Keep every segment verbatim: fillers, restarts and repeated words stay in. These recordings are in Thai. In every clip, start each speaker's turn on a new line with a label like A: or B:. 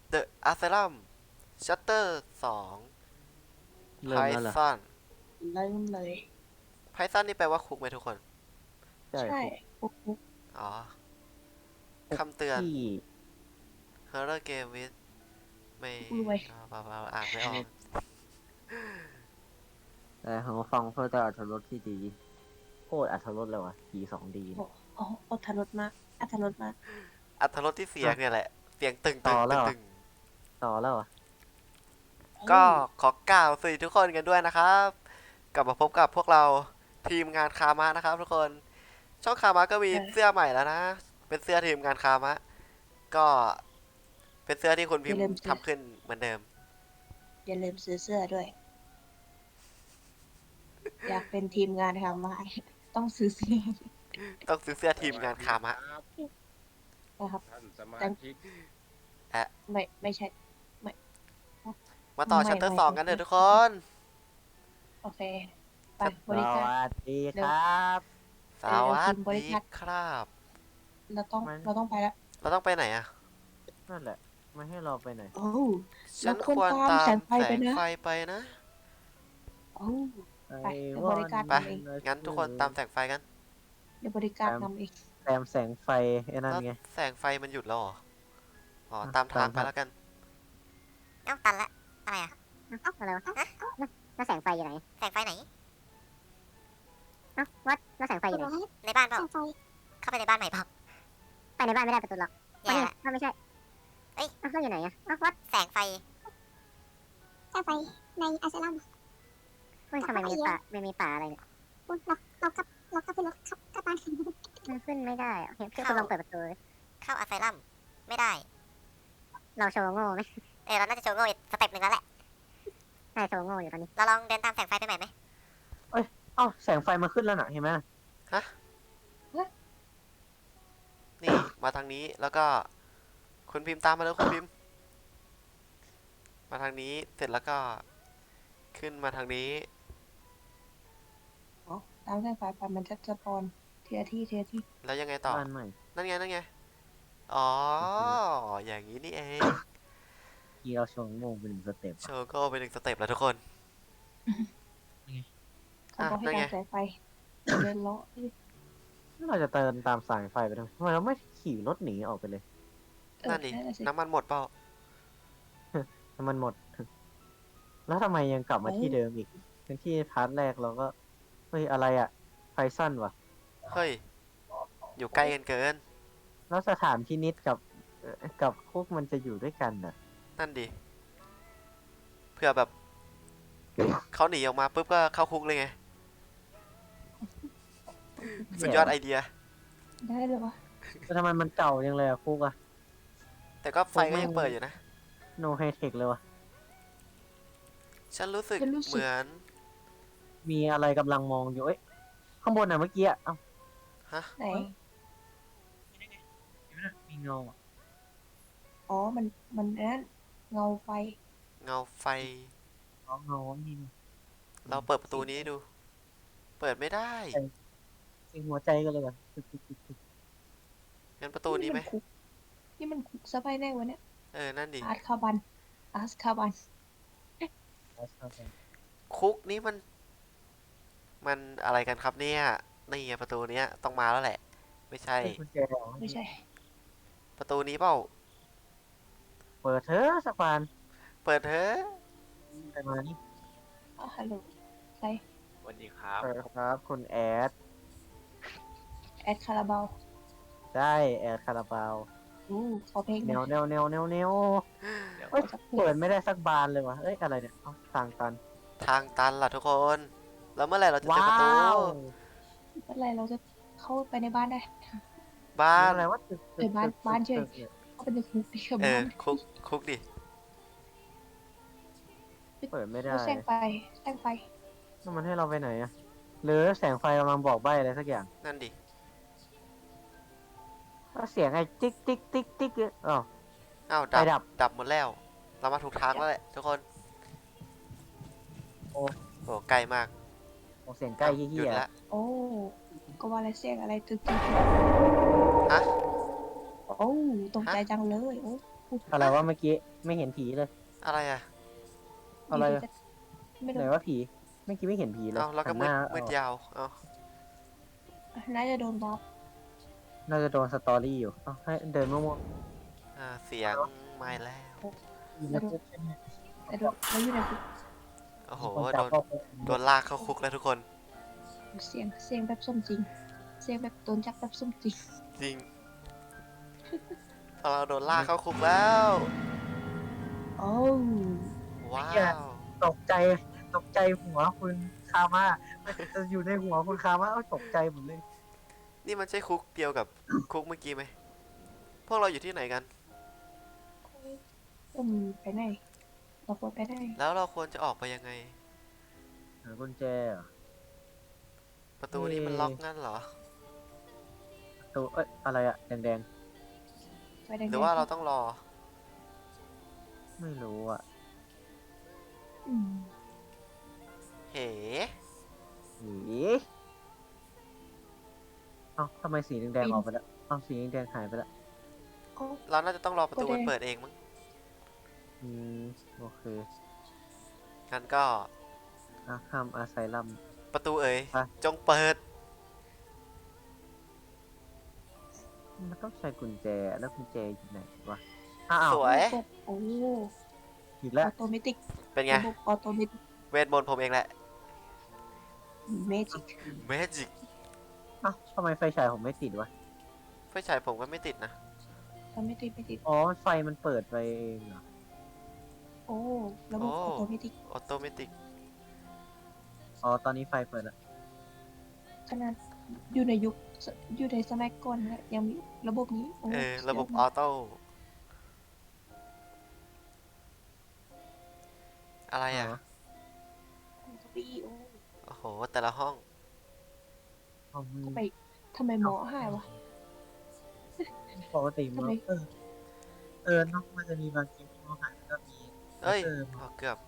A: The Asylum Chapter สอง
B: เริ่มแล้วเหรอ
A: Python
C: เริ่มเลย
A: Python นี่แปลว่าคุกไหมทุกคน
B: ใช่
C: ใช่
B: คุก
C: ปุ๊บปุ๊บ
A: อ๋อ
B: คุก
A: คำเตือน
B: ที่
A: Horror Game with ไม่
C: รวย
A: อ่าเปล่าๆอ่านไม่ออก
B: แต่ของฟังเพื่อจะอรรถรสที่ดีโคตรอรรถรสเลยวะทีสองดี
C: โอ้โอ้อดทนรสมากอัตรสมาก
A: อัตรสที่เสียงเนี่ยแหละ เสียงตึง
B: ต่
A: ตึ
B: อง แล้
A: ตึ
B: ว
A: ง
B: เหรอ
A: ตึง
B: ต่อแล้วเหรอ
A: ก็ขอกล่าวสวัสดีทุกคนกันด้วยนะครับ กลับมาพบกับพวกเราทีมงานคามะนะครับทุกคน ช่องคามะก็มีเสื้อใหม่แล้วนะ เป็นเสื้อทีมงานคามะ ก็เป็นเสื้อที่คุณพิมพ์ทำขึ้นเหมือนเดิม
C: อย่าลืมซื้อเสื้อด้วย อยากเป็นทีมงานทำมาต้องซื้อเสื้อ
A: ต้องซื้อเสื้อทีมงานคามะ
C: นะครับ
D: ท่านสมาชิก
C: ไม่ไม่ใช่
A: มาต่อ
C: ไม่
A: ชัปเตอร์
C: ไม่
A: สอง
C: ไม่
A: กันเถอะ
C: ไม่
A: ทุกคน
C: โอเค ไป
A: ครับ
C: บริ
B: ส
C: การ
B: วัสดีครับ
A: สวัสดีครับ
C: เราต้อง
B: มัน
C: เราต้องไปแล้ว
A: เราต้องไปไหนอะ
B: นั่นแหละไม่ให้เราไปไหน
C: โอ้
A: ฉัน
C: เรา
A: ค
C: คว
A: ว
C: ร
A: ร
C: ตาม
A: ตาม
C: แสงไฟ
A: แส
C: ไป
A: ง
C: นะ
A: ไฟไปนะ
C: โอ้ ไปเดี๋ยว
B: I
C: บริการ
A: ไป
C: ทำเอง
A: งั้นทุกคนตามแสงไฟกัน
C: เดี๋ยวบริการนำเอง
B: แซมแสงไฟไอ้นั่น
A: แล้ว
B: ไง
A: แสงไฟมันหยุดแล้วเหรอ อ๋อ
B: อ่ะ
A: ตามทาง
B: ตาม
A: ไป
B: ทาง
A: แล้วกัน
E: เอ้าตันละ อะไรอ่ะเอ้าอะไรวะฮะแล้วแสงไฟอยู่ไหน แสงไฟไหน เอ้าวัดแล้วแสงไฟอยู่ไหน ในบ้านเปล่าเข้าไปในบ้านใหม่เปล่าไปในบ้านไม่ได้ประตูล็อกแย่ละไม่ใช่ เอ้ยเอ้าแล้วอยู่ไหนอ่ะเอ้าวัดแสงไฟ
F: แสงไฟในอาซาลัม
E: เฮ้ยทำไมมีป่าไม่มีป่าอะไรเนี่ย
F: อุ๊ยเราเรากลับเรากลับไปรถขับกลับบ้าน
E: มันขึ้นไม่ได้อะโอเคพี่คุณลองเปิดประตูดิ
G: เข้าอัสไซลัมไม่ได้
E: เราโชว์โง่ไหม
G: เออเราน่าจะโชว์โง่อีกสเต็ปหนึ่งแล้วแหละ
E: ใช่โชว์โง่อยู่ตอนนี้
G: เราลองเดินตามแสงไฟไปใหม่ไหม
B: เอ้าแสงไฟมาขึ้นแล้วน่ะเห็นไหม
A: นี่ มาทางนี้ แล้วก็ คุณพิมพ์ตามมาแล้วคุณพิมพ์ มาทางนี้ เสร็จแล้วก็ ขึ้นมาทางนี้
C: อ๋อตามแสงไฟไปมันจะสปอนทีละที่ทีละที่
A: แล้วยังไงต่อ
B: บ้านใหม่
A: นั่นไง นั่นไง อ๋อ อย่างนี้นี่เอง
B: ที่เราโชว์โง่เป็นหนึ่งสเต็ป
A: โชว์ก็เป็นหนึ่งสเต็ปแล้วทุกคน
C: เขาบอกให้
A: อ่ะนั่นไง
C: ตามแสงไฟเดินเลาะ
B: เราจะเตินตามสายไฟไปทำไมทำไมเราไม่ขี่รถหนีออกไปเลย
C: เออ
A: นั่นดิ
C: นั่นน่ะสิ
A: น้ำมันหมดเปล่า
B: น้ำมันหมด แล้วทำไมยังกลับมาที่เดิมอีกทั้งที่พาร์ทแรกเราก็เฮ้ยอะไรอะไฟสั้นวะ
A: เฮ้ย อยู่ใกล้กันเกิน
B: แล้วสถานพินิจกับเอ่อกับคุกมันจะอยู่ด้วยกันน่ะ
A: นั่นดิ เพื่อแบบ เขาหนีออกมาปุ๊บก็เข้าคุกเลยไง สุดยอดไอเดีย
C: ได้เลยวะ
B: แต่ทำไมมันเก่าจังเลยอะคุกอะ
A: แต่ก็ไฟก็ยังเปิดอยู่นะ
B: โนไฮเทคเลยวะ
A: ฉันรู้สึกเหมือน
B: มีอะไรกำลังมองอยู่เอ้ยข้างบนน่ะเมื่อกี้อะเอ้า
A: ฮะ
C: ไหน
B: เห็นไหมน่ะมีเงาอะ
C: อ๋อ มัน มันนั่นเงาไฟ
A: เงาไฟ
B: อ๋อเงานี่นี่
A: เราเปิดประตูนี้ให้ดู เปิดไม่ได้
B: เสียงหัวใจกันเลยว่ะตึกตึกตึกตึก
A: งั้นประตูนี้ไหม
C: มัคุกนี่มันคุกซะไปได้วะเนี่ย
A: เออ นั่นดิ
C: อาร์ตคาบัน อาร์ตคาบัน
B: แล้วเข้าไป
A: คุกนี้มัน มันอะไรกันครับเนี่ย นี่ไงประตูเนี้ยต้องมาแล้วแหละ ไม่ใช่
B: เอ้ยกุญแจเหรอ
C: ไม่ใช่
A: ประตูนี้เปล่า
B: เปิดเถอะสักบาน
A: เปิดเถอะ
B: ไปมานี่
C: อ๋อฮัลโหลใคร
D: สวัสดีครับ
B: เปิดครับคุณแอด
C: แอดคาราบาว
B: ได้แอดคาราบาว
C: อู้ขอเพลงห
B: แน
C: น่
B: ว
C: อย
B: แนวแนวแนวแนว
D: เดี๋ยว
B: เอ้ยเปิดไม่ได้สักบานเลยวะเอ้ยอะไรเนี่ยเอ้าทางตัน
A: ทางตันล่ะทุกคน แล้วเมื่อไหร่เราจะเจอ
B: ว้า
A: ประตู
B: ว
C: เมื่อไหรเราจะเข้าไปในบ้านได้
A: บ้าน
B: อะไรวะตึกตึก
C: เออบ้าน
B: ตึก
C: บ้านเฉย
B: ตึกนี่
C: เข้าไปในคุกดิครับ
A: เออ
C: บ้าน
A: คุก คุกดิ
B: เปิดไม่ได้
C: แล้วแสงไฟแสงไฟ
B: แล้วมันให้เราไปไหนอะหรือแสงไฟกำลังบอกใบ้อะไรสักอย่าง
A: นั่นดิ
B: ก็เสียงไอ้ติ๊กติ๊กติ๊กติ๊กเนี่ยอ๋อ
A: อ้าว
B: ไฟ
A: ดับ
B: ดับ
A: ดับหมดแล้ว เรามาถูกทางแล้วแหละทุกคน
B: โอ้
A: โอ้ไกลมาก
B: โอ้เสียงใกล้
A: หยุ
B: เหี้
A: ด
B: ย
A: ละ
C: โอ้ก็ว่าอะไรเสียงอะไรตึกตึก
A: ฮะ
C: โอ้ตกใจจังเลยโอ้
B: อะไรวะเมื่อกี้ไม่เห็นผีเลย
A: อะไรอ่ะ
B: อะไร
C: ยู่
B: อะ
C: ดีๆไม่
B: ไหน
C: รู้
B: ว่าผีเมื่อกี้ไม่เห็นผีเลย
A: เอาแล้วก็
B: หันห
A: มืด
B: น้า
A: มืด
B: เอา
A: ยาวเอา
C: น่าจะโดนบล็อก
B: น่าจะโดนสตอรี่อยู่เอาให้เดินมั่ว
A: อ่าเสียงไม่แล้ว
B: ๆอยู่ในคุกใช่ไหม
C: แต่โดนแล้วอยู่ในคุก
A: โอ้โห
B: คน
A: โด
B: จับ
A: น
B: เข้าคุก
A: โดนลากเข้าคุกแล้วทุกคน
C: เสียงเสียงแบบส้มจริง เสียงแบบโดนจับแบบส้มจริง
A: จริงเราโดนลากเข้าคุกแล้ว
C: โอ้
A: ว้าว
B: ตกใจตกใจหัวคุณคามาจะอยู่ในหัวคุณคามาเอาตกใจหมดเลย
A: นี่มันใช่คุกเดียวกับ คุกเมื่อกี้ไหม พวกเราอยู่ที่ไหนกัน
C: อืมไปไหนเราควรไปไหน
A: แล้วเราควรจะออกไปยังไง
B: หากุญแจเหรอ
A: ประตูนี้
B: เอ่
A: มันล็อกงั้นเหรอ
B: ตัวเอ้ยอะไรอะแดง
C: ไปแดงๆ
A: หรือว่าเราต้องรอ
B: ๆไม่รู้อะ
C: อืม
A: เฮ้
B: หีเอ้าทำไมสีแดงๆออกไปแล้วเอ้าสีแดงๆหายไปแล้ว
C: โอ้
A: เราน่าจะต้องรอประตู
C: ก็ได้
A: มันเปิดเองมั้ง
B: อืมโอเค
A: งั้นก็
B: อาคามอาไซลัม
A: ประตูเอ๋ย
B: อ่ะ
A: จงเปิด
B: มันต้องใช้กุญแจแล้วกุญแจอยู่ไหนวะอ้าว
A: สวย
C: โอ้
B: อีก
C: อ
B: แล้ว
C: อโตเมติก
A: เป็นไง
C: ระบบออโตเมติก
A: เวทมนต์ผมเองแหละ
C: เมจิก
A: เมจิก
B: เอ้าทำไมไฟฉายผมไม่ติดวะ
A: ไฟฉายผมก็ไม่ติดนะ
C: ทำไม่ติดไม่ติด
B: อ๋อไฟมันเปิดไปเองเหรอ
C: โอ้ระบบ
A: โอ้
C: ออโตเมติก
A: ออโตเมติก
B: อ๋อตอนนี้ไฟเปิดแล้ว
C: ขนาดอยู่ในยุคอยู่ในสมัยก่อนนะยังมีระบบนี้โอ้
A: เออ ระบบ
C: สุด
A: อย
C: อ
A: อ
C: ด
A: โต้ อะไรอ่ะ
B: อ๋อ
C: มากปี้โอ้
A: โอ้โห แต่ละห้อง
B: อ๋อมัน
C: ทำไมทำไมหมอหายวะ
B: ปกติมัน
C: ทำไม
B: เออเออเนอกมันจะมีบางเกมที่มันหายแล้วก็มี
A: เอ้ย
B: เออ
A: อ๋อเกือบ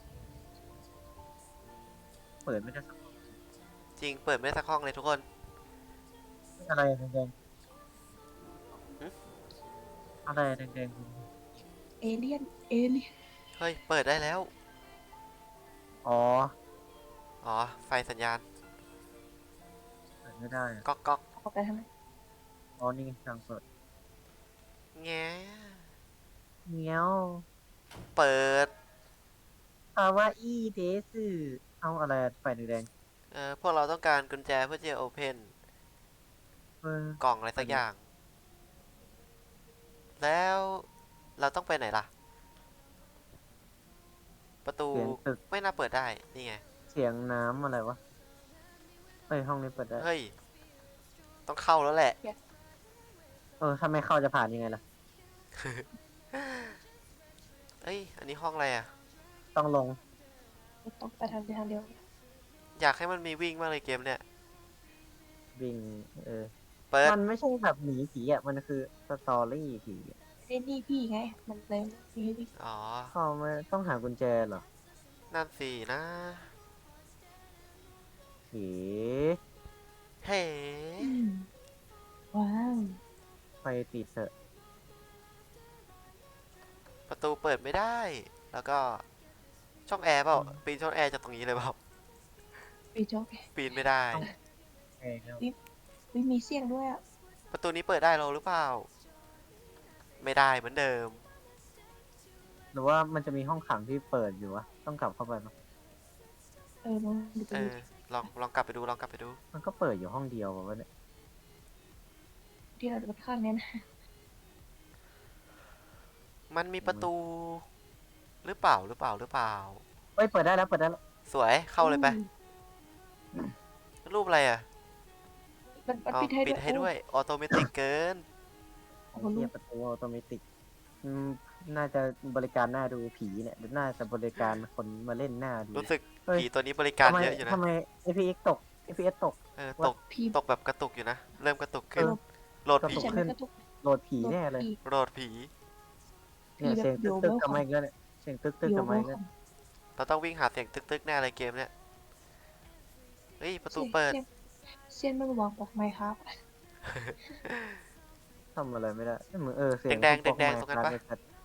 B: เปิดไม่ได้สักห้อง
A: จริง เปิดไม่ได้สักห้องเลยทุกคน
B: อะไรอะแดง
A: หึ
B: ๆอะไรอะแดงๆคุณ
C: เอเลี่ยนเอเลี่ยน
A: เฮ้ย เปิดได้แล้ว
B: อ๋อ
A: อ๋อ ไฟสัญญาณ
B: เปิดไม่ได้อะ
A: ก๊อกก๊อก
C: ออกไปทางไหน
B: อ๋อนี่ไงทางเปิด
A: แง
B: เงี้ยว
A: เปิด
B: คาวาอี้เดซึเอาอะไรอะไฟแดง
A: เออ พวกเราต้องการกุญแจเพื่อที่จะโอเพน
B: ๆเออก
A: ล่องอะไรสักอย่าง แล้วเราต้องไปไหนล่ะ ประตู
B: เสียงตึก
A: ไม่น่าเปิดได้ นี่ไง
B: เสียงน้ำอะไรวะเฮ้ยห้องนี้เปิดได้
A: เฮ้ย ต้องเข้าแล้วแหละ
B: เออถ้าไม่เข้าจะผ่านยังไงล่ะ
A: เอ้ย อันนี้ห้องอะไรอ่ะ
B: ต้องลง
C: ต้องไปทางเดียวทางเดียว
A: อยากให้มันมีวิ่งมากเลยเกมเนี่ย
B: วิ่งเออ
A: เปิด
B: มันไม่ใช่แบบหนีผีอ่ะ มันคือสตอรี่ผีอะ
C: เล่นนี่พี่ไง มันเลยมีให้พี่
A: อ๋อ
B: เขาไม่ต้องหากุญแจเหรอ
A: นั่นสินะ
B: ผี
A: เฮ้
C: อืมว้าว
B: ไฟติดเถอะ
A: ประตูเปิดไม่ได้ แล้วก็ช่องแอร์เปล่า ปีนช่องแอร์จากตรงนี้เลยเปล่า
C: ไปโจ๊ก
A: ปีนไม่ได้
B: เองแล้ว
C: วิมีเสียงด้วยอ่ะ
A: ประตูนี้เปิดได้เราหรือเปล่า ไม่ได้เหมือนเดิม
B: หรือว่ามันจะมีห้องขังที่เปิดอยู่วะ ต้องกลับเข้าไปมั้ย
C: เออลองดูไป
A: เอ
C: ดู
A: อ ลองลองกลับไปดู ลองกลับไปดู
B: มันก็เปิดอยู่ห้องเดียววะเนี่ย
C: ที่เราจะข้างเนี้ยนะ
A: มันมีประตู หรือเปล่า หรือเปล่า หรือเปล่า
B: เฮ้ย เปิดได้แล้ว เปิดได้แล้ว
A: สวย เข้าเลยไป รูปอะไรอ่ะ
C: มันมัน
A: อ๋อ
C: ปิดให้
A: ปิ
C: ด้
A: ด
C: วย
A: ให้ด้วย ออโตเมติกเกิน
B: ไอ้เหี้ยประตูออโตเมติกอืมน่าจะบริการหน้าดูผีเนี่ย น่าจะบริการคนมาเล่นหน้าดู
A: รู้สึก
B: เฮ้ย
A: ผีตัวนี้บริการ
B: ทำไม
A: เยอะอยู่นะ
B: ทำไม เอฟ พี เอ็กซ์ ตก เอฟ พี เอส ตก
A: เออ
B: ว่า
A: ตก
C: พี่
A: ตกแบบกระตุกอยู่นะ เริ่มกระตุกขึ้น
B: เออ
A: โหลด
B: กระ
A: ผี
B: ตุก
C: ฉัน
B: ขึ้น
C: ก็ทุก
B: โหลดผีแน่เลย
A: โหลดผี
B: เนี่ย
C: ผีแบบ
B: เสียงตึก
C: โย
B: ตึก
C: เวล
B: กลับมาอีกแล้วเนี่ยเสียงตึกตึก
C: โย
B: กลับ
C: เว
B: มา
C: ล
B: อีก
C: ข
B: แล้ว
C: อง
A: เราต้องวิ่งหาเสียงตึกๆแน่เลยเกมเนี่ย เฮ้ย ประตู
C: เสียง
A: เปิด
C: เสียงเสียงมันวางบอกไหมครับ
B: ทำอะไรไม่ได้เหมือนเออเสียง
A: แดงๆ
B: พวก
A: แดงๆตรงนั้นปะ
B: Minecraft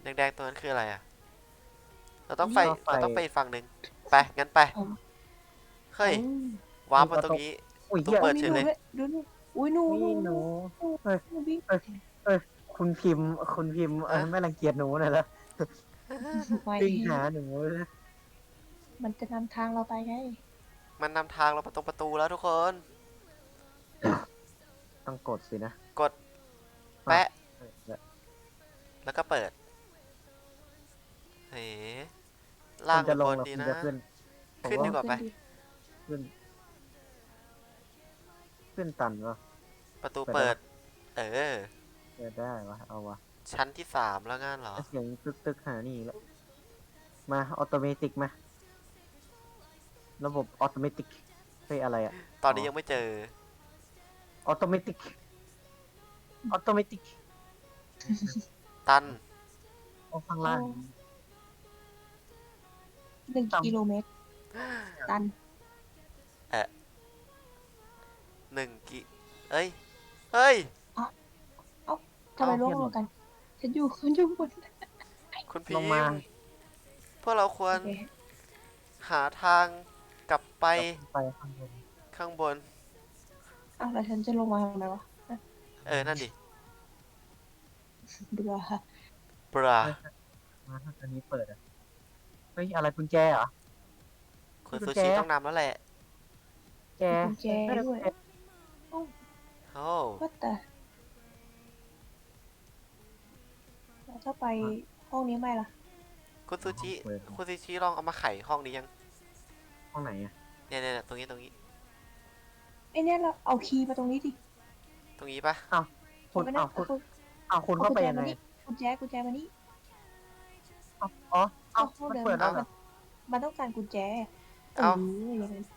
A: แดงๆตัวนั้นคืออะไรอ่ะ เราต้องไป
B: เราไป
A: เราต้องไปอีกฝั่งหนึ่งไป งั้นไป
C: เอา
A: เฮ้ย
C: เอา
A: วาร์ปมาตรงนี้
B: อุ้ย
A: ตู้
B: เหี้ย
A: เปิด
C: มี
A: เฉ
C: ห
A: ย
C: นู
A: เลย
C: ด้วยดูนี่อุ้ยหนู
B: นี่หนู เฮ้ย
C: หนูวิ่ง
B: คุณพิมพ์ คุณพิมพ์เออ
A: ฮะ
B: ไม่รังเกียจหนูหน่อยละ
C: ไม่
B: วิ่งหาหนูเลย
C: มันจะนำทางเราไปไง
A: มันนำทางเราไปตรงประตูแล้วทุกคน
B: ต้องกดสินะ
A: กด แปะ
B: เออเนี่ย
A: แล้วก็เปิด เฮ้ล่าง
B: คุณจะลง
A: บน
B: หรือ
A: ดี
B: คุณ
A: นะ
B: จะขึ้นผม
A: ขึ้นดีกว่าไป
B: ขึ้น ขึ้นตันวะ
A: ประตู
B: เปิ
A: เปิ
B: ด
A: ด เออ
B: เปิดได้วะเอาวะ
A: ชั้นที่สามแล้วงั้นเหรอ
B: เสียงตึกตึกหานี่อีกแล้วมาออโตเมติกมา ระบบออโตเมติกเฮ้ยอะไรอะ
A: ตอนนี้ยังไม่เจอ
B: ออโตเมติกออโตเมติก
A: ตัน
B: เอาข้างล่าง
C: หนึ่ง
B: ต่ำ
C: กิโลเมตร ตัน
A: หนึ่งกิ เอ้ย เฮ้ย
C: ทำไม
B: เอา
C: ร่ว
B: เทียบ
C: งกัน ฉันอยู่ฉันอยู่บน
A: คุณพี
B: ลงมา
A: มพวกเราควร
C: โอเค
A: หาทางกลับไป
B: ไปข้างบน
A: ข้างบน
C: อ้าวแล้วฉันจะลงมาทำไมวะ
A: เออ นั่นดิ
C: เบื่อ
A: บรา
B: มาถ้าอันนี้เปิดอะเฮ้ยอะไรกุญแจเหรอ
A: คุณ
B: กุ
A: ซู
B: ญแจ
A: ชิต้องนำแล้วแหละ
B: แจ
C: กุญแจด้วย
A: โอ้
C: ว่าแต่แล้วถ้าไปห้องนี้ไม่ล่ะ
A: คุณซูชิ
B: เปิด
A: คุณซูชิลองเอามาไขห้องนี้ยัง
B: ห้องไหนอะ
A: เนี่ยเนี่ยตรงนี้ตรงนี้
C: ไอเนี่ยเราเอาคีย์มาตรงนี้ดิ
A: ตรงนี้ปะ
B: คุณ
C: เอาไปนะ
B: อ้าวคุณ
C: เอา
B: อ้าวคุณเข้าไปยังไง
C: กุญแจกุญแจมานี่
B: อ้าวอ๋ออ้าว
C: เอา
B: มัน
C: เดิน
B: เปิดแล้วเหรอ
C: มันต้องการกุญแจ
A: เอ้า
C: เอออย่างนั้น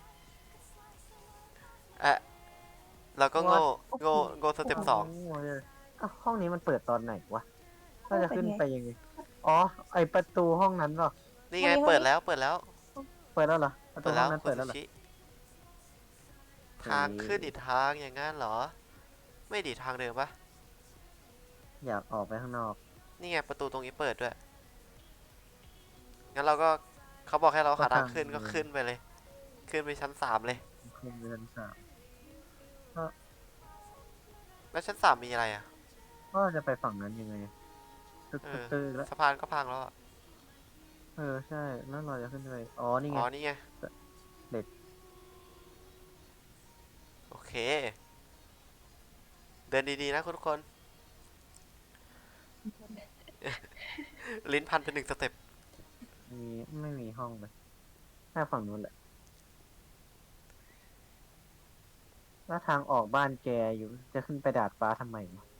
A: เอะเราก็โง่
C: โอ้โห
A: โง่โง่สเต็ปสอง
B: โอ้ยอ้าวห้องนี้มันเปิดตอนไหนวะก็จะขึ้น
C: เป็นไง
B: ไปยังไง อ๋อ ไอประตูห้องนั้นเหรอ
A: นี่ไง
C: ห้องนี้
A: เปิดแล้ว เปิดแล้ว
B: เปิดแล้วเหรอ ประตู
A: เปิด
B: ห้
A: แล้
B: อ
A: ว
B: งนั้น
A: คุ
B: เปิ
A: ณ
B: ดแล้
A: ซู
B: วเหรอ
A: ชิ ทางขึ้นอีกทางอย่างงั้นเหรอ ไม่ดีทางเดิมปะ
B: อยากออกไปข้างนอก
A: นี่ไงประตูตรงนี้เปิดด้วย งั้นเราก็เขาบอกให้เราหาทางขึ้น
B: ก็
A: ก็
B: ทาง
A: ขึ้นไปเลย ขึ้นไปชั้นสามเลย
B: ขึ้นไปชั้นสาม
A: แล้วชั้นสามมีอะไรอ่ะ
B: ก็จะไปฝั่งนั้นยังไง ตึก
A: เอ
B: ตึก
A: อ
B: ตึกแล้ว
A: สะพานก็พังแล้วอะ
B: เออ ใช่ แล้วเราจะขึ้นไป อ๋อ นี่ไง
A: อ๋อ นี่ไง
B: เด็ด
A: โอเค เดินดีๆนะคุณทุกคน ลิ้นพันเป็นหนึ่งสเต็ป
B: มีไม่มีห้องเลยแค่ฝั่งนู้นแหละแล้วทางออกบ้านแกอยู่ จะขึ้นไปดาดฟ้าทำไมวะ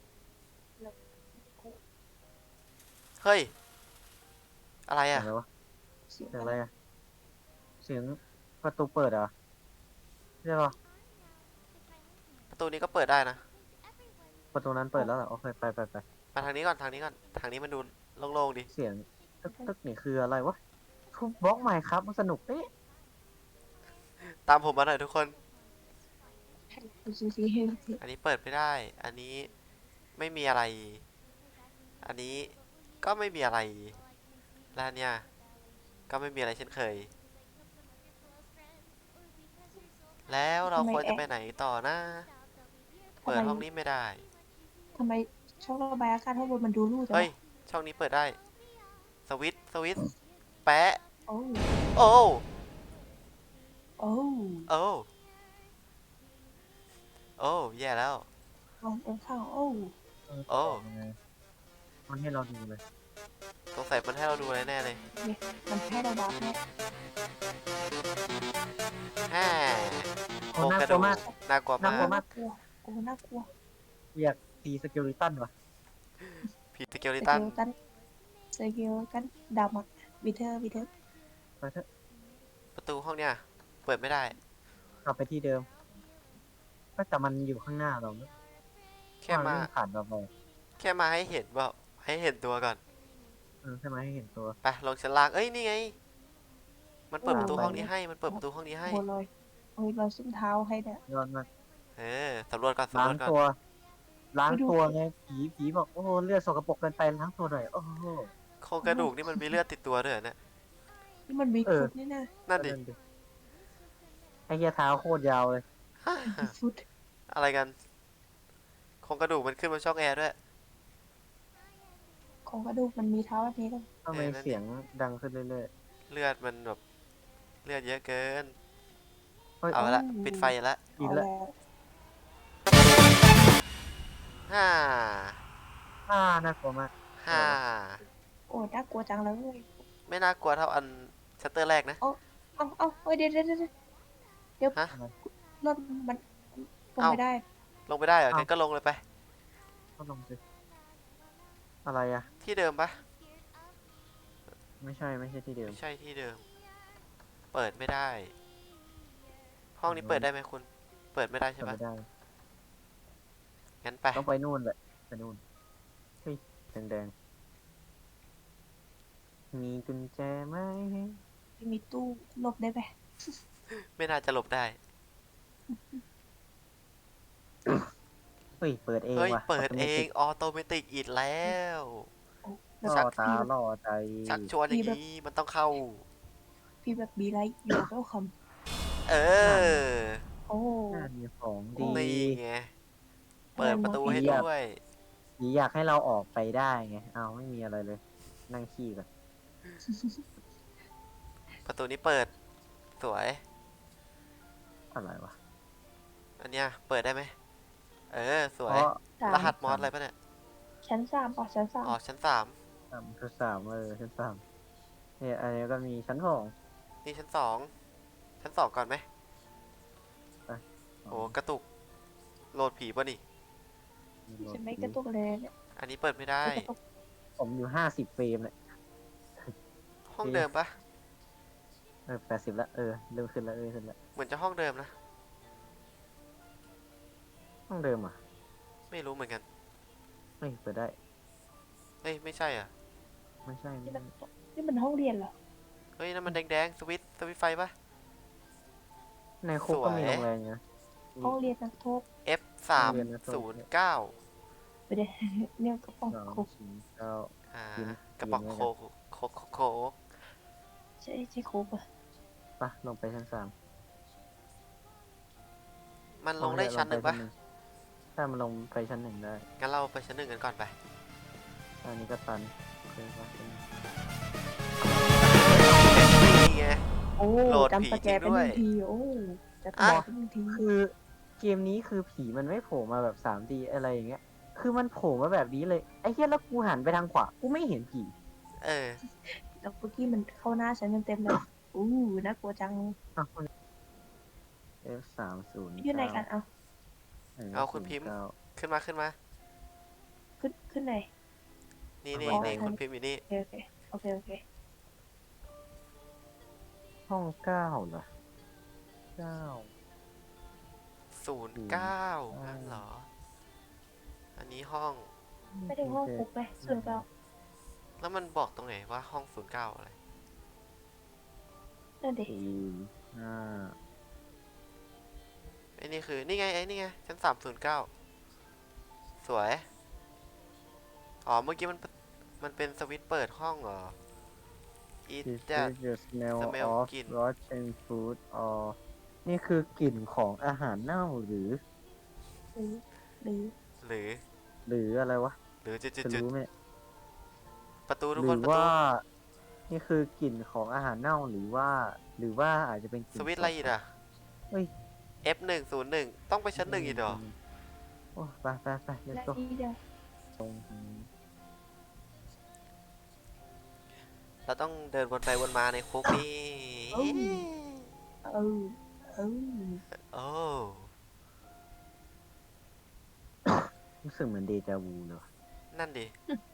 A: เฮ้ย อะไร
B: เสีย
A: อ่ะ
B: งอะไรวะ
C: เสียง
B: เสียงอะไรอะเสียงประตูเปิดเหรอใช่ปะ
A: ประตูนี้ก็เปิดได้นะ
B: ประตูนั้นเปิดแล้วเหรอโอเคไปไปไป
A: มาทางนี้ก่อน ทางนี้ก่อน ทางนี้มันดูโล่งๆดี
B: เสียงตึกตึกนี่คืออะไรวะทุบบล็อกใหม่ครับมันสนุกเอ๊ะ
A: ตามผมมาหน่อยทุกคน
C: ดูซิซิ
A: อันนี้เปิดไม่ได้ อันนี้ไม่มีอะไร อันนี้ก็ไม่มีอะไร และอันเนี่ยก็ไม่มีอะไรเช่นเคย แล้วเราควรจะไปไหนต่อนะ เปิดห้องนี้ไม่ได้
C: ทำไมช่องระบายอากาศข้างบนมันดูรูจัง
A: เฮ้ย
C: วะ
A: ช่องนี้เปิดได้ สวิตช์สวิตช์แปะ
C: โอ้
A: โอ้
C: โอ้
A: โอ้ โอ้ แย่แล้ว
C: มองตรงข้างโอ้
A: โอ้
B: ยังไงมันให้เราดูเลย
A: สงสัยมันให้เราดูอะไรแน่เลย
C: มันให้เราบัฟเนี่ย
A: แฮ่โค
B: โอ้
A: รง
B: น่าก
A: ระ
B: ลั
A: ดู
B: ว
A: ก
B: มาก
A: น่ากลัว
B: น่ากลัว
A: มาก
B: มาก
C: กลัวโอ้น่ากลัว
B: อยากตีสเกลิตันวะ
A: ผีสเกล
C: ส
A: ลิ
C: เก
A: ตัน
C: ลตันสเกลกันดำอ่ะวิเทอร์วิเทอร์
B: ไปเถอะ
A: ประตูห้องเนี้ยเปิดไม่ได้
B: กลับไปที่เดิมก็แต่มันอยู่ข้างหน้าเราเนอะ
A: แค่มา
B: วิ่งผ่านเราไป
A: แค่มาให้เห็นว่าให้เห็นตัวก่อน
B: เออใช่ไหมให้เห็นตัว
A: ไปลงชั้นล่าง เอ้ย นี่ไง มันเปิด
B: โอ้
A: ประตูห้องนี้ให้ มันเปิดประตูห้องนี้ให้
C: โบลอยโอ้ยเราส้มเท้าให้เนี่ย
B: ยอดมาก
A: เออสำรวจก่อน
B: ล้า
A: สำรง วจก่อน
B: ตัว ล้าง
C: ไปดู
B: ตัวไงผีผีบอกโอ้โหเลือดสกปรกเกินไปล้างตัวหน่อยโอ้โห
A: โครงกระดูกนี่มันมีเลือดติดตัวด้วยเหรอเนี่ย
C: นี่มันมี
B: เออ
C: ฟุตนี่นะ
A: นั่นดิ
B: ไอ้เหี้ยเท้าโคตรยาวเลย
C: มีฟุต
A: อะไรกัน โครงกระดูกมันขึ้นบนช่องแอร์ด้วย
C: ของกระดูกมันมีเท้าแบบนี้กัน
B: ทำไม
A: เออนั่นดิ
B: เสียงดังขึ้นเรื่อย
A: เลือดมันแบบเลือดเยอะเกิน
B: ๆเฮ้ย
A: เอาละปิดไฟละ
B: กิน
C: เอา
B: ละ
C: แล้ว
A: ห้า
B: อ่าน่ากลัวมาก
A: ห้า
C: โอ้ยน่ากลัวจังเลย
A: ไม่น่ากลัวเท่าอันชัตเตอร์แรกนะ
C: เอาเอาเอ้ยเดี๋ยวเดี๋ยวเดี๋ยวเดี๋ยว
A: ฮะ
C: รถมันลง
A: เอ้า
C: ไม่ได้
A: ลงไปได้เหรอ
B: เอ้า
A: งั้นก็ลงเลยไป
B: ก็ลงสิอะไรอะ
A: ที่เดิมปะ
B: ไม่ใช่ไม่ใช่ที่เดิม
A: ไม่ใช่ที่เดิม เปิดไม่ได้ ห้องนี้เปิดได้ไหมคุณ เปิดไม่ได้ใช่
B: จำ
A: ปะ
B: ไม่ได้
A: งั้นไป
B: ต้องไปนู่นแหละไปนู่นเฮ้ยแดงๆมีกุญแจไหม
C: มีตู้หลบได้ไหม
A: ไม่น่าจะหลบได้
B: เฮ้ยเปิดเอง
A: เฮ้ย
B: ว่ะ
A: เปิดเอง
B: อ
A: ออโตเมติกอีกแล้ว
C: แบบ
B: ล่อตา
C: พี่แบบ
B: ล่อใจ
A: ชักชวนอย่างนี้มันต้องเข้า
C: พี่แบบบีไลท์อยู่เวลคัม
A: เออ
C: โอ้
B: น่ามีของดี
A: นี่ไง เปิดประตูให้
B: เยี่ยม
A: ด้วย
B: ผีอยากให้เราออกไปได้ไงเอาไม่มีอะไรเลย นั่งขี้ก่อน
A: ประตูนี้เปิด สวย
B: อะไรวะ
A: อันเนี้ยเปิดได้ไหม เออ สวย
B: เพราะ
C: สาม
A: รหัสมอสอะไรปะเนี่ย
C: ชั้นสามป่ะชั้นสาม
A: อ๋อ ชั้นสาม
B: สามคือสามเออชั้นสามเนี่ยอันนี้ก็มีชั้นสอง
A: นี่ชั้นสอง ชั้นสองก่อนไหม โอ้กระตุก โหลดผีป่ะนี่
C: ฉันไม่กระตุกเลยเนี่ย
A: อันนี้เปิดไม่ได้
C: ไม่กระตุก
B: ผมอยู่ห้าสิบเฟรมเลย
A: ห้องเดิมปะ
B: เออแปดสิบละเออเริ่มขึ้นแล้วเออขึ้นแล้ว
A: เหมือนจะห้องเดิมนะ
B: ห้องเดิมอ่ะ
A: ไม่รู้เหมือนกัน
B: เฮ้ยเปิดได้
A: เอ้ย ไม่ใช่อ่ะ
B: ไม่ใช่ไม่
C: นี่
B: ใช่
C: มันนี่มันห้องเรียนเหรอ
A: เฮ้ย นั่นมันแดงๆ สวิตช์สวิตช์ไฟปะ
B: ในคุกก็มี
A: สวย
B: โรงแรมอยู่นะ
C: ห้องเรียนนักโทษ
A: F สามศูนย์เก้า
C: ไปเดี๋ยวเนี่ยกระป๋อง
B: สอง
C: โคก
B: สี่เก้า
A: อ่า
B: กิน
A: กระป๋อง
B: กิน
A: โค
B: ไว้
A: กโคกโคกโคก
C: ใช่ใช่โคกอะ
B: ปะลงไปชั้นสาม
A: มันลงได้ชั้นหนึ่งปะ
B: ถ้ามันลงไปชั้นหนึ่งได้
A: งั้นเราไปชั้นหนึ่งกันก่อนไป
B: อันนี้ก็ตันโอเคปะชั้นหนึ่ง
A: นี่ไง
C: โอ้
A: โหลดผี
C: จำสแก
A: จริ
C: เป็น
A: ง
C: ห
A: ด้วย
C: นึ่งทีโอ้จะ
A: อ่ะ
C: บอกเป็นหนึ่งที
B: คือเกมนี้คือผีมันไม่โผล่มาแบบสามดีอะไรอย่างเงี้ย คือมันโผล่มาแบบนี้เลย ไอ้เหี้ยแล้วกูหันไปทางขวา กูไม่เห็นผี
A: เออ
C: แล้วเมื่อกี้มันเข้าหน้าฉันเต็มๆเลยอู้น่ากลัวจัง
B: อ้าว F สามศูนย์
C: อยู่ไหนกันเอา
A: เอาคุณพิมพ์ ขึ้นมาขึ้นมา
C: ขึ้นขึ้นไหน
A: นี่นี่
C: อ๋อ
A: นี่คุณพิมพ์อยู่นี่
C: โอเคโอเคโอเคโอเค
B: ห้องเก้าเหรอเก้า
A: ศูนย์เก้า
B: อืม
A: นั่นเหรอ อันนี้ห้อง
C: ไม่ได้ห้องคุกไหมส่วนเก้า
A: แล้วมันบอกตรงไหนว่าห้องศูนย์เก้าอะไร
C: นั่นดิ
B: สี่ห้า
A: ไอ้นี่คือ นี่ไง ไอ้นี่ไง ชั้นสามศูนย์เก้า สวย อ๋อ เมื่อกี้มัน มันเป็นสวิตช์เปิดห้องเหรอ Eat
B: Is
A: that
B: this the smell
A: smell
B: of
A: กลิ่น
B: rotten food or นี่คือกลิ่นของอาหารเน่าหรือ
C: หรือหรือ
A: หรือ
B: หรืออะไรวะ
A: หรือจุดจุด
B: จะ
A: จุด
B: รู้ไหมเนี่ย
A: ประตูทุก
B: ห
A: ค
B: รื
A: น
B: อ
A: ประตู
B: ว่า นี่คือกลิ่นของอาหารเน่าหรือว่า หรือว่าอาจจะเป็นกลิ่น
A: สวิตช์อะไรอีกอ่ะ
B: เฮ้ย
A: F หนึ่งศูนย์หนึ่งต้องไปชั้นหนึ่งอีกเหรอ
B: โอ้ไปไปไปเดี๋ยว
C: และ
B: ตก
C: ที่เดียว
B: ตรง
A: เราต้องเดินวนไปวนมาในคุกนี่
C: เออเออ
A: โอ้
B: รู้สึกเหมือนเดจาวูเลยว่ะ
A: นั่นดิ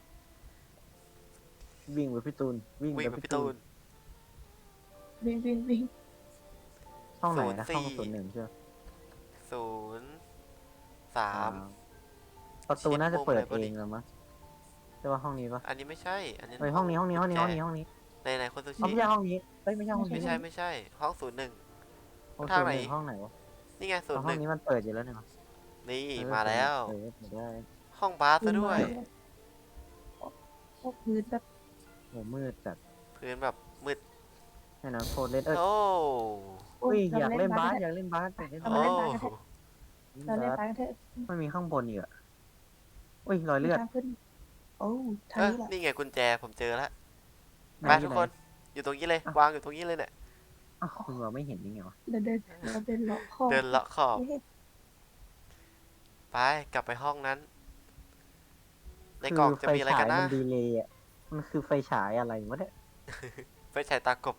B: วิ่งไปพี่ตูน วิ่ง
A: วิ่ง
B: ไป
A: ไป
B: พี่
A: พี่
B: ตู
A: ตู
B: น
A: น
C: วิ่งวิ่งวิ่ง
B: ห้องไหนนะ
A: ศู
B: ห้อน
A: ย์
B: ง
A: สี่
B: ศูนย์หนึ่งใช่ไหม
A: ศูนย์สาม
B: ประตูน่าจะเปิด
A: เช็คมุมเลย
B: เองแล้วมั้งใช่ว่าห้องนี้ปะ
A: อันนี้ไม่ใช่ อันนี้
B: เฮ้ยห้องนี้ห้องนี้ห้องนี้ห้องนี้ห้องนี้
A: ในในคนซู
B: อ๋อ
A: ชิ
B: ไม่ใช่ห้องนี้เฮ้ยไม่ใช่ห้องนี้
A: ไม่ใช่ไม่ใช่ ห้องศูนย์หนึ่ง
B: ห้อง
A: ทาง
B: ศูน
A: ไหน
B: ย์หนึ่งห้องไหนวะ
A: นี่ไงศูน
B: อ๋อ
A: ย์ห
B: ห้อ
A: นึ่
B: ง
A: ง
B: นี้มันเปิดอยู่แล้วเนี่ย
A: นี่
B: เออ
A: มาแล้ว
B: เออเปิดได้
A: ห้องบาสซะด้วย
C: พวกพื้นแบบ
B: โอ้มืดจัด
A: พื้นแบบมืด
B: ให้น้ำโคตรเล่นเอ้ย
A: โอ้
B: อุ้ย
C: เรา
B: อยากเล่นบาส
C: กั
B: อยากเล่นบาสอยากเล่น
C: เรา
B: บา
C: มา
B: ส
C: เล่นบาสกันเถอะ เราเล่น
B: บาส
C: บาสกันเถอะ
B: ไม่มีข้างบนอีกอะอุ้ยรอยเลือด
C: ทางขึ้นโอ้ทาง
A: เอ้ย
C: นี้แหละ
A: นี่ไงกุญแจผมเจอแล้ว
B: ไหน
A: ไป
B: อยู่
A: ทุก
B: ไหน
A: คน อยู่ตรงนี้เลย
B: อ่ะ
A: วางอยู่ตรงนี้เลยเนี่ย
B: อ้าวคุณบอกไม่เห็นยังไงวะ
C: เราเดินเราเดินเลาะคอ
A: เดินเลาะขอบ
C: นี่
A: ไปกลับไปห้องนั้น ใน
B: คื
A: กล่อง
B: อ
A: จะ
B: ไฟ
A: มีอะไร
B: ฉา
A: กั
B: ย
A: นนะ
B: มันดีเลย์อะมันคือไฟฉายอะไรวะเนี่ย
A: ไฟฉายตากบ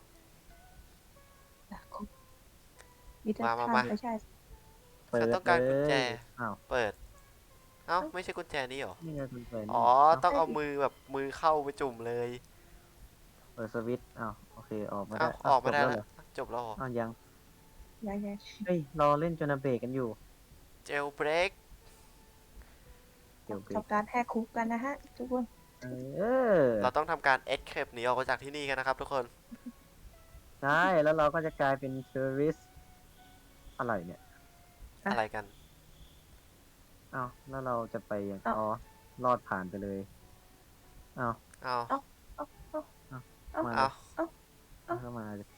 C: มีแต่
A: มามา
C: ทาง
A: มา
C: ไม่ใช่
B: เปิด
A: ฉันต้องการกุญแจ
B: เลยอ้าว
A: เปิด เอ้า ไม่ใช่กุญแจนี้เหรอ
B: นี่ไงคุณเปิด
A: อ๋อ ต้องเอามือแบบมือเข้าไปจุ่มเลย
B: เปิดสวิตช์อ้าวโอเคออกมา
A: เอ้า
B: ได้
A: ออกมาได้
B: จบ
A: แล้ว
B: เหรอ
A: จบแล้วเหรอ
B: อ้าวยัง
C: ยังไง
B: เฮ้ยรอเล่นจนเบรกกันอยู่
A: เจลเบรก
B: เดี๋ยวเบรก
C: ทำการแหกคุกกันนะฮะ ทุกคน
B: เออ
A: เราต้องทำการเอ็ดเคปหนีออกมาจากที่นี่กันนะครับทุกคน
B: ใช่แล้วเราก็จะกลายเป็นเทอร์ริสอะไรเนี่ย
C: อ่ะ
A: อะไรกัน
B: อ้าวแล้วเราจะไปยัง
C: อ้าว
B: อ๋อรอดผ่านไปเลยอ้าว
A: เอา
C: เอ้า เอ้า เอ้า
B: มา
A: เอา
C: เอ้า
B: เข้ามาเลย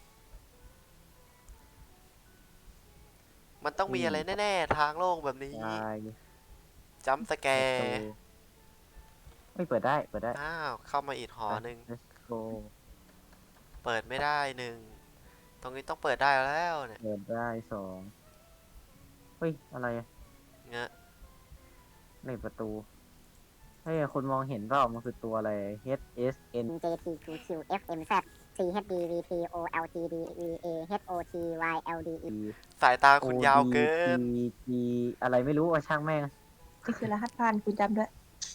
A: มันต้องมีอะไรแน่ๆ ทางโล่งแบบนี้
B: ตาย
A: จัมป์สแก
B: Let's
A: ร์
B: go ไม่เปิดได้เปิดได้
A: อ้าว เข้ามาอีกหอหนึ่ง
B: Let's go
A: เปิดไม่ได้หนึ่ง ตรงนี้ต้องเปิดได้แล้วเนี่ย
B: เปิดได้สองเฮ้ยอะไรอะ
A: เงี้ย
B: ในประตูเฮ้ยคนมองเห็นเปล่ามันคือตัวอะไร H S N
E: J T Q Q F M Z C H D V T O L T D V A H O T Y L D E
B: E
A: สายตาคุณยาวเกิน
B: O D G อะไรไม่รู้อะช่างแม่ง
C: นี่คือรหัสผ่านคุณจำด้วย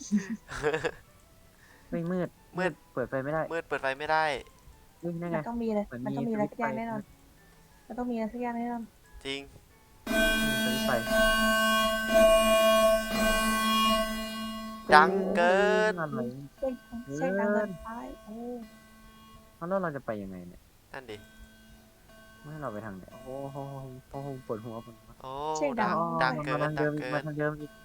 B: ไม่มืด
A: มืด
B: เปิดไฟไม่ได้
A: มืดเปิดไฟไม่ได้
B: นี่นั่น
C: มั
B: ไง
C: นต้องมีเลย
B: เหมือน
C: มันต้อง
B: มี
C: มีอะไร
B: สวิ
C: สั
B: ต
C: ก
B: ช์
C: อย่าง
B: ไฟ
C: แน่นอน มันต้องมีอะไรสักอย่างแน่นอน
A: จริง
B: มีสวิตช์ไฟ
A: ดังเกิน
B: อะไร
C: เสียงเสียงดังเกินไปโอ้
B: แล้วเราจะไปยังไงเนี่ย
A: นั่นดิ
B: ไม่ให้เราไปทางไหนโอ้โหโอ้โหปวดหัวปวดหัว
A: โอ้
C: เสียงดั
A: ดั
C: ง
A: งดังเกิน
B: มาทาง
A: ดั
B: เดิ
A: ง
B: มอีก
A: เกิ
B: มาน ทางเดิมอีก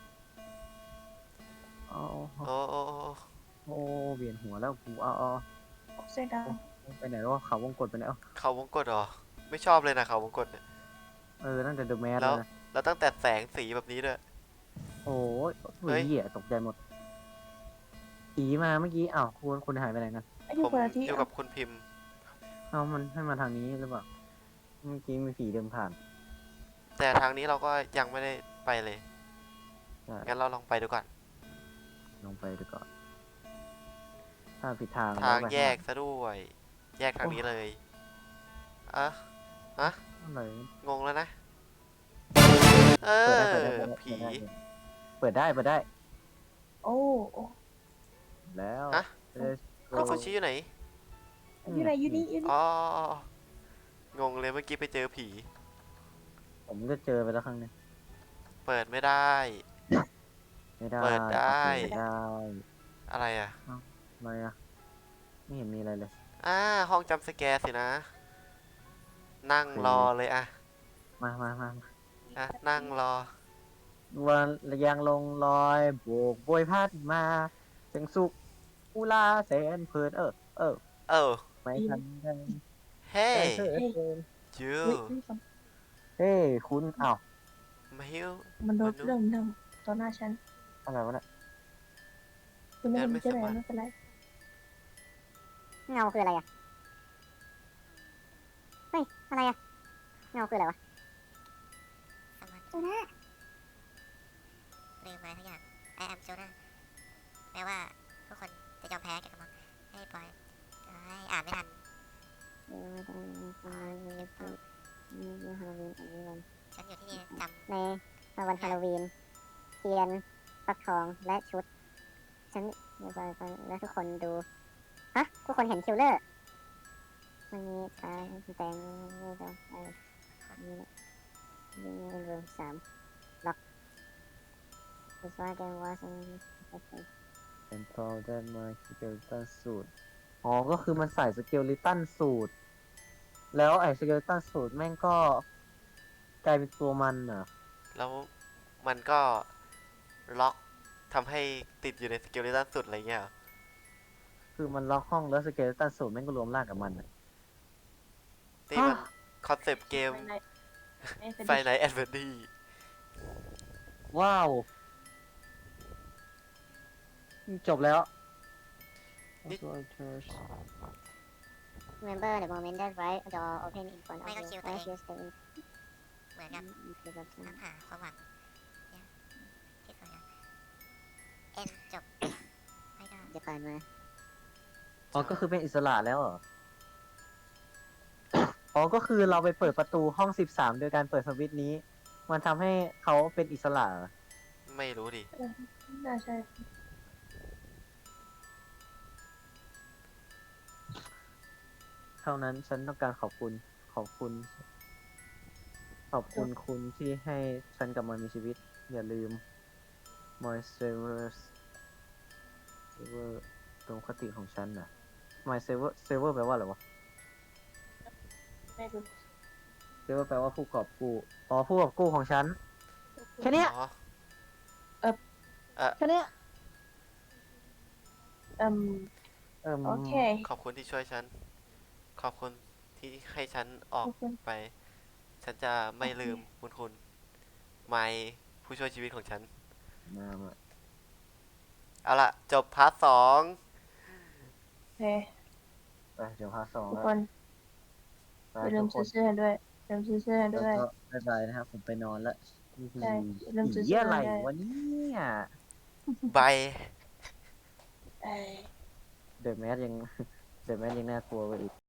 B: โอ้โห
A: โอ้โอ้โอ้
B: โอ้เวียนหัวแล้วกูเอาเอา
C: เสียงดัง
B: เอาไปไหนแล้ววะเขาวงกดไปไหนเอ้า
A: เขาวงกตเหรอ ไม่ชอบเลยนะเขาวงกตเนี่ย
B: เออตั้งแต่เดอะแมส
A: แล้
B: แล้ว วนะ
A: แล้วตั้งแต่แสงสีแบบนี้ด้วย
B: โอ้ย
A: เฮ้ย
B: เหี้ยตกใจหมดผีมาเมื่อกี้อ้าวคุณคุณหายไปไหนกัน
C: ไอ้อยู่
A: ผม
C: คนละที่
A: อยู่กับคุณพิมพ์
B: เอามันให้มาทางนี้หรือเปล่าเมื่อกี้มีผีเดินผ่าน
A: แต่ทางนี้เราก็ยังไม่ได้ไปเลย
B: ใช่
A: งั้นเราลองไปดูก่อน
B: ลองไปดูก่อนถ้าผิดทาง
A: ทาง
B: เรไป
A: แยกซะด้วย แยกทางนี้เลยอะอะ
B: อะไร
A: งงแล้วนะ เอ
B: เปิด
A: อ
B: ได้เปิดได้
A: ผี
B: เปิดได้เปิดได้
C: โอ้โอ้
B: แล้ว
A: ฮะ
B: Let's
A: คุณ
B: go
A: ฟูชิอยู่ไหน
C: อยู่ไหนอยู่นี่อยู่นี่
A: อ๋องงเลยเมื่อกี้ไปเจอผี
B: ผมก็เจอไปแล้วครั้งหนึง
A: เปิดไม่ได้
B: ไม่ได้
A: เปิดได้
B: ไม่ได้
A: อะไรอ่ะ
B: อะไรอะไม่เห็นมีอะไรเลย
A: อ่า ห้องจำสแกร์สินะ นั่งรอเลยอะ
B: มามามามา
A: อ่ะ นั่งรอ
B: วันยางลงลอยโบกโบยพัดมาเสียงสุกอุลาแสนเพลินเออ เออ
A: เออ
B: ไม่ทันได้
A: เฮ้
B: เฮ้ย
A: จู
C: อุ๊ยอุ๊ยฝน
B: เฮ้ยคุณอ้าว
A: มาฮิว
C: มันโดน
A: มันโดน
C: เรื่องหนึ่งต่อหน้าฉัน
B: อะไรวะเนี่ย
C: คุณไม่
A: เดิ
C: เห็
A: น
C: น
A: ไม่
C: จะไหน
A: สบาย
C: ไม่เป็นไร
E: เงาคืออะไรอ่ะ เฮ้ย อะไรอ่ะ เงาคืออะไรวะ
G: สมัน
F: โซน่า
G: ลืมอะไรทุกอย่าง I am Jonah แม้ว่าทุกคนจะยอมแพ้แกกับมันให้ปล่อยเอ้ยอ่านไม่ทัน ฉันอยู่ที่นี่จำ
E: ในวันฮาโลวีนเทียนฟักทองและชุด ฉันและทุกคนดู ฮะ ทุกคนเห็นคิลเลอร์มันมีตายแต่งไม่ต้องไปนี่นี่เป็นรูมสามล็อกคือว่าแกว่าฉัน
B: เป็นพอได้มาสเกลตันสูตรอ๋อ ก็คือมันใส่สเกลลิตันสูตร แล้วไอ้สเกลตันสูตรแม่งก็กลายเป็นตัวมันเหรอ
A: แล้วมันก็ล็อกทำให้ติดอยู่ในสเกลเลตันสุดอะไรเงี้ยเหรอ
B: คคือมันล็อกห้องแล้วสเกเลตันสูตรแม่งก็รวมร่างกับมันอะ
A: นี่มันคอนเซปต์เกม
C: ไม่เป็น
A: ไฟไนท์แอดเวนดี้
B: ว้าว จบแล้ว
E: Remember the moment that right door open in front of
G: ไม่ก็
E: you
G: คิวตัวเอง
E: as you stay in
G: เหมือนกับ
E: the box.
G: ตามหาความหวังเนี่ยที่สวยงามเอ็นจบไม่ได้
E: จะผ่านมา
B: อ๋อ ก็คือเป็นอิสระแล้วเหรอ อ๋อ ก็คือเราไปเปิดประตูห้องสิบสามโดยการเปิดสวิตช์นี้ มันทำให้เขาเป็นอิสระเหรอ
A: ไม่รู้ดิ
C: น่าใช่
B: เท่านั้นฉันต้องการขอบคุณ ขอบคุณ ขอบคุณคุณที่ให้ฉันกลับมามีชีวิต อย่าลืม my savers saver ตรงคติของฉันน่ะ my saver saver แปลว่าอะไรวะ
C: ไม่รู้
B: saver แปลว่าผู้กอบกู้ อ๋อ ผู้กอบกู้ของฉัน แค่เนี้ย
A: อ๋อ
B: แค่เนี้ย
C: อืม
B: เอิ่ม
C: โอเค
A: ขอบคุณที่ช่วยฉัน ขอบคุณที่ให้ฉันออก
C: ขอบคุณ
A: ไป ฉันจะไม่ลืมคุณคุณไมผู้ช่วยชีวิตของฉัน
B: มามา
A: เอาล่ะ จบพาร์ทสอง
C: โอเค
B: ไปเดี๋ยวพาร์ทสอง
C: ทุก
B: แล้ว
C: คน
B: ไป
C: อย่าลื
B: ทุ
C: ม
B: กค
C: ซื้อน เสื้อให้ด้วยอย่าลืมซื้อเสื้อให้
B: แล้ว
C: ด้วย
B: ก็บ๊ายบายนะครับ ผมไปนอนละ
C: ใช่อย่าลืมซื้อ
B: เหี้ย
C: เสื้อ
B: อะไร
C: ด้วย
B: วะเนี่ย
A: ใบ
C: เอ้ย
B: เดอะแมสยัง เดอะแมสยังน่ากลัวกว่าอีก